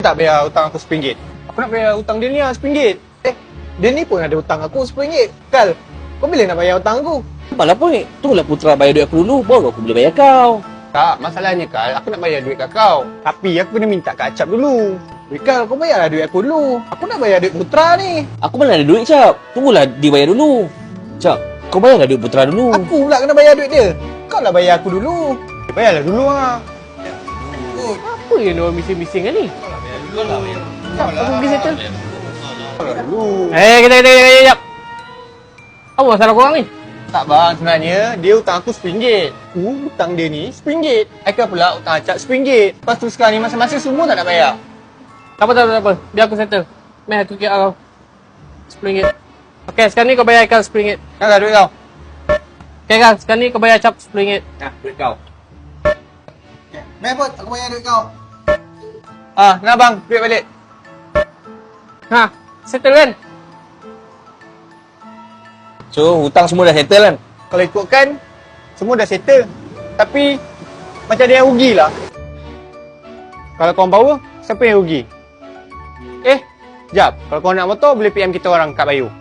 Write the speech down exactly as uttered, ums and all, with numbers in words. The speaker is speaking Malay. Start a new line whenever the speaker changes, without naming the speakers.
Tak bayar hutang aku seperinggit. Aku nak bayar hutang dia ni lah seperinggit. Eh, dia ni pun ada hutang aku seperinggit. Kal, kau bila nak bayar hutang aku?
Malah apa ni? Tunggulah Putra bayar duit aku dulu, baru aku boleh bayar kau.
Tak, masalahnya Kal, aku nak bayar duit kat kau. Tapi aku kena minta Kak Acap dulu. Weh Kal, kau bayarlah duit aku dulu. Aku nak bayar duit Putra ni.
Aku mana ada duit, Cap. Tunggulah dia bayar dulu. Cap, kau bayarlah duit Putra dulu.
Aku pula kena bayar duit dia. Kau lah bayar aku dulu. Dia bayarlah dulu lah.
Apa yang orang bising-bising kan ni? Jap, aku pergi settle.
Kau lah dulu.
Eh, kita, kita, kita, kita, jap. Apa masalah korang ni?
Tak bang, sebenarnya dia hutang aku seperinggit. Aku hutang dia ni seperinggit. Aikal pula hutang Acap seperinggit. Lepas tu sekarang ni masing-masing semua tak nak bayar.
Tak apa, tak apa, tak apa. Biar aku settle. Meh, aku kira kau. sepuluh ringgit. Okey, sekarang ni kau bayar Aikal sepuluh ringgit.
Nak tak duit kau?
Okey kan, sekarang ni kau bayar Cap sepuluh ringgit.
Nah, duit kau.
Meh pun, aku bayar duit kau. Ah, nak bang, duit balik.
Ha, settle kan?
So, hutang semua dah settle kan?
Kalau ikutkan, semua dah settle. Tapi, macam ada yang rugi lah. Kalau korang power, siapa yang rugi? Eh, jap. Kalau korang nak motor, boleh P M kita orang kat Bayu.